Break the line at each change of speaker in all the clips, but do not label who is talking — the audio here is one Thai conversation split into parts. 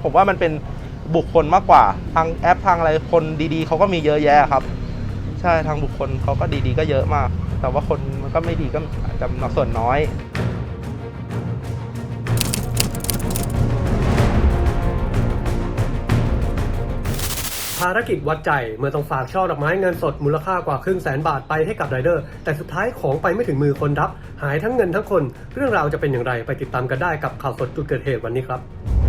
ผมว่ามันเป็นบุคคลมากกว่าทางแอปทางอะไรคนดีๆเขาก็มีเยอะแยะครับใช่ทางบุคคลเขาก็ดีๆก็เยอะมากแต่ว่าคนมันก็ไม่ดีก็อาจจะส่วนน้อย
ภารกิจวัดใจเมื่อต้องฝากช่อดอกไม้เงินสดมูลค่ากว่า500,000 บาทไปให้กับไรเดอร์แต่สุดท้ายของไปไม่ถึงมือคนรับหายทั้งเงินทั้งคนเรื่องราวจะเป็นอย่างไรไปติดตามกันได้กับข่าวสดจุดเกิดเหตุวันนี้ครับ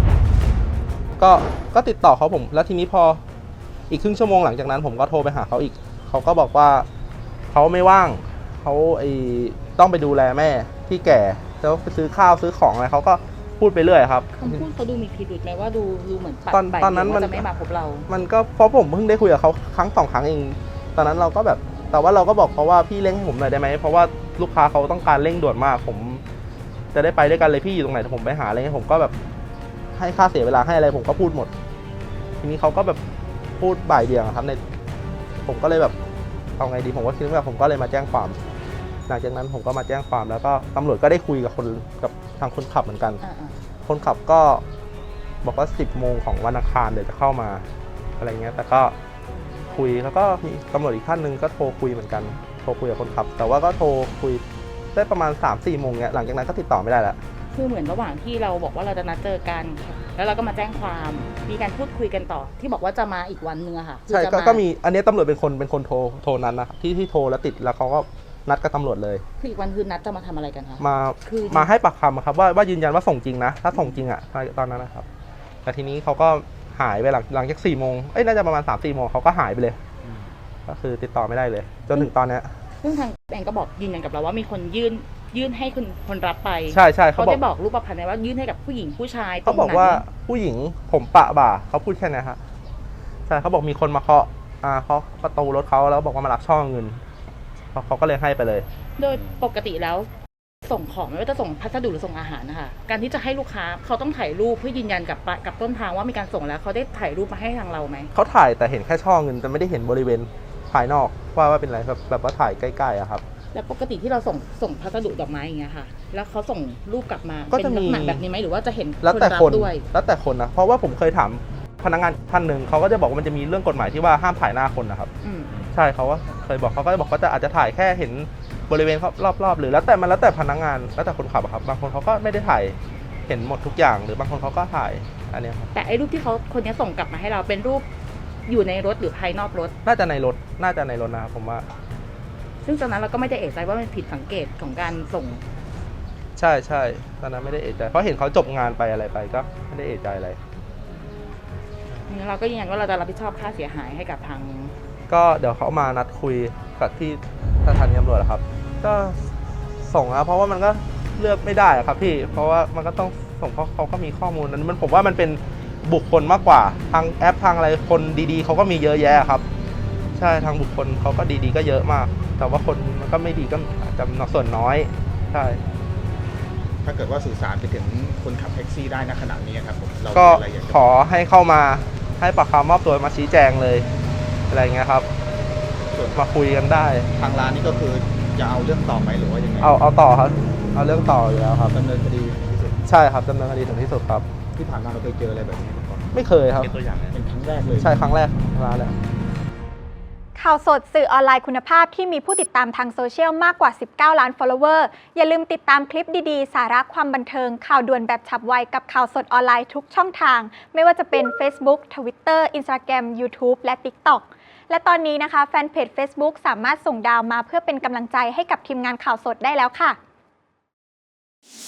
ก็ติดต่อเขาผมแล้วทีนี้พออีกครึ่งชั่วโมงหลังจากนั้นผมก็โทรไปหาเขาอีกเขาก็บอกว่าเขาไม่ว่างเขาต้องไปดูแลแม่ที่แก่แล้วไปซื้อข้าวซื้อของอะไรเขาก็พูดไปเรื่อยครับ
คำพูดเขาดูมีพิรุธไหมว่าดูเหมือนปัด
ตอนนั้นมัน
จะไม่มาพบเรา
มันก็เพราะผมเพิ่งได้คุยกับเขาครั้ง2 ครั้งเองตอนนั้นเราก็แบบแต่ว่าเราก็บอกเขาว่าพี่เร่งให้ผมหน่อยได้ไหมเพราะว่าลูกค้าเขาต้องการเร่งด่วนมากผมจะได้ไปด้วยกันเลยพี่อยู่ตรงไหนผมไปหาอะไรเงี้ยผมก็แบบให้ค่าเสียเวลาให้อะไรผมก็พูดหมดทีนี้เขาก็แบบพูดบ่ายเบี่ยงครับผมก็เลยแบบเอาไงดีผมก็คิดว่าผมก็เลยมาแจ้งความหลังจากนั้นผมก็มาแจ้งความแล้วก็ตำรวจก็ได้คุยกับทางคนขับเหมือนกันคนขับก็บอกว่า10 โมงของวันอังคารเดี๋ยวจะเข้ามาอะไรเงี้ยแต่ก็คุยแล้วก็มีตำรวจอีกท่านหนึ่งก็โทรคุยเหมือนกันโทรคุยกับคนขับแต่ว่าก็โทรคุยได้ประมาณ 3-4 โมงเนี้ยหลังจากนั้นก็ติดต่อไม่ได้แล้ว
คือเหมือนระหว่างที่เราบอกว่าเราจะนัดเจอกันแล้วเราก็มาแจ้งความมีการพูดคุยกันต่อที่บอกว่าจะมาอีกวันนึงอะค่ะ
ใช่ก็มีอันนี้ตำรวจเป็นคนโทรนั้นนะครับที่โทรแล้วติดแล้วเขาก็นัดกับตำรวจเลย
คืออีกวันคือนัดจะมาทำอะไรกันคะ
มาให้ปากคำครับว่ายืนยันว่าส่งจริงนะถ้าส่งจริงอะตอนนั้นนะครับแต่ทีนี้เขาก็หายไปหลังจาก4 โมงน่าจะประมาณ3-4 โมงเขาก็หายไปเลยก็คือติดต่อไม่ได้เลยจนถึงตอนนี้
ซึ่งทางแอนก็บอกยืนยันกับเราว่ามีคนยื่นให้คนรับไป
ใช่
เขาได้บอกรูปพรรณว่ายื่นให้กับผู้หญิงผู้ชาย
เขาบอกว่าผู้หญิงผมปะบ่าเขาพูดแค่นี้ฮะใช่เขาบอกมีคนมาเคาะประตูรถเขาแล้วบอกว่ามารับช่อเงินเขาก็เลยให้ไปเลย
โดยปกติแล้วส่งของไม่ว่าจะส่งพัสดุหรือส่งอาหารนะคะการที่จะให้ลูกค้าเขาต้องถ่ายรูปเพื่อยืนยันกับต้นทางว่ามีการส่งแล้วเขาได้ถ่ายรูปมาให้ทางเราไหม
เขาถ่ายแต่เห็นแค่ช่อเงินแต่ไม่ได้เห็นบริเวณภายนอกว่าเป็นอะไรแบบว่าถ่ายใกล้ๆอะครับ
แล้วปกติที่เราส่งพัสดุดอกไม้อย่างเงี้ยค่ะแล้วเขาส่งรูปกลับมาเป็นลักษณะแบบนี้ไหมหรือว่าจะเห็น
คนรับด้วยแล้วแต่คนนะเพราะว่าผมเคยถามพนักงานท่านหนึ่งเขาก็จะบอกว่ามันจะมีเรื่องกฎหมายที่ว่าห้ามถ่ายหน้าคนนะครับใช่เขาว่าเคยบอกเขาก็จะบอกเขาจะอาจจะถ่ายแค่เห็นบริเวณรอบๆหรือแล้วแต่พนักงานแล้วแต่คนขับครับบางคนเขาก็ไม่ได้ถ่ายเห็นหมดทุกอย่างหรือบางคนเขาก็ถ่ายอันนี้ครับ
แต่ไอ้รูปที่คนนี้ส่งกลับมาให้เราเป็นรูปอยู่ในรถหรือภายนอกรถ
น่าจะในรถนะครับผมว่า
ซึ่งตอนนั้นเราก็ไม่ได้เอะใจว่ามันผิดสังเกตของการส่ง
ใช่ตอนนั้นไม่ได้เอะใจเพราะเห็นเขาจบงานไปอะไรไปก็ไม่ได้เอะใจอะไร
เราก็ยืนยันว่าเราจะรับผิดชอบค่าเสียหายให้กับทาง
ก็เดี๋ยวเขามานัดคุยกับที่สถานีตำรวจครับก็ส่งนะเพราะว่ามันก็เลือกไม่ได้ครับพี่เพราะว่ามันก็ต้องส่งเพราะเขาก็มีข้อมูลนั้นผมว่ามันเป็นบุคคลมากกว่าทางแอปทางอะไรคนดีๆเขาก็มีเยอะแยะครับใช่ทางบุคคลเขาก็ดีๆก็เยอะมากแต่ว่าคนมันก็ไม่ดีก็อาจจะส่วนน้อยใช่
ถ้าเกิดว่าสื่อสารไปถึงคนขับแท็กซี่ได้ณขณะนี้ครับผมเรา
ก็ขอให้เข้ามาให้ปากคำมอบตัวมาชี้แจงเลยอะไรเงี้ยครับมาคุยกันได้
ทางร้านนี่ก็คือจะเอาเรื่องต่อไหมหรือว่ายังไง
เอาต่อครับเอาเรื่องต่ออยู่แล้วครับ
ดำเนินคดีที่สุด
ใช่ครับดำเนินคดีถึงที่สุดครับ
ที่ผ่านมาเราเคยเจออะไรแบบนี้ก่อน
ไม่เคยครับ
เป็นตัวอย่างเป็นครั้งแรกเลย
ใช่ครั้งแรกร้านเลย
ข่าวสดสื่อออนไลน์คุณภาพที่มีผู้ติดตามทางโซเชียลมากกว่า19 ล้าน follower อย่าลืมติดตามคลิปดีๆสาระความบันเทิงข่าวด่วนแบบฉับไวกับข่าวสดออนไลน์ทุกช่องทางไม่ว่าจะเป็น Facebook Twitter Instagram YouTube และ TikTok และตอนนี้นะคะแฟนเพจ Facebook สามารถส่งดาวมาเพื่อเป็นกำลังใจให้กับทีมงานข่าวสดได้แล้วค่ะ